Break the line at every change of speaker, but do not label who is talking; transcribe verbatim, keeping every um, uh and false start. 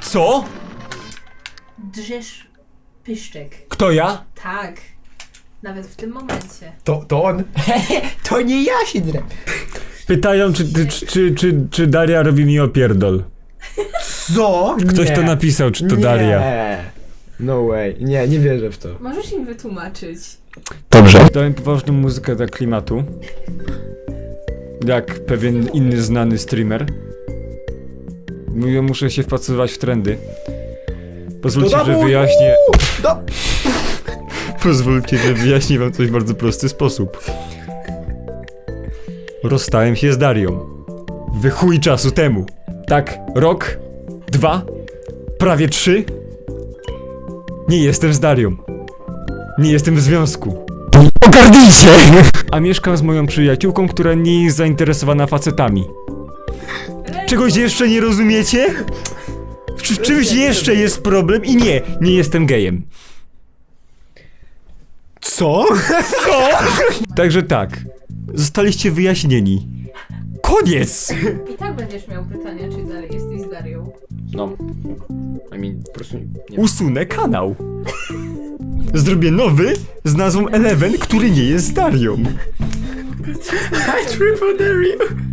Co?
Drzesz pyszczek.
Kto ja?
Tak. Nawet w tym momencie.
To, to on. To nie ja się drę.
Pytają, czy, czy, czy, czy, czy Daria robi mi opierdol.
Co?
Ktoś
nie.
to napisał, czy to
nie.
Daria.
No way. Nie, nie wierzę w to.
Możesz im wytłumaczyć.
Dobrze.
Dałem poważną muzykę dla klimatu. Jak pewien inny znany streamer. Mówię, muszę się wpasować w trendy. Pozwólcie,
Do
że
domu!
wyjaśnię...
Do...
Pozwólcie, że wyjaśnię wam coś w bardzo prosty sposób. Rozstałem się z Darią. Wy chuj czasu temu. Tak, rok, dwa, prawie trzy. Nie jestem z Darią. Nie jestem w związku. Ogarnijcie! A mieszkam z moją przyjaciółką, która nie jest zainteresowana facetami. Czegoś jeszcze nie rozumiecie? W, w czymś jeszcze jest problem i nie, nie jestem gejem.
Co?
Co? Także tak, zostaliście wyjaśnieni. Koniec!
I tak będziesz miał pytania, czy dalej jesteś z Darią.
No. I mean, po prostu nie.
Usunę kanał. Zrobię nowy z nazwą Eleven, który nie jest z Darią.
I triple dare you.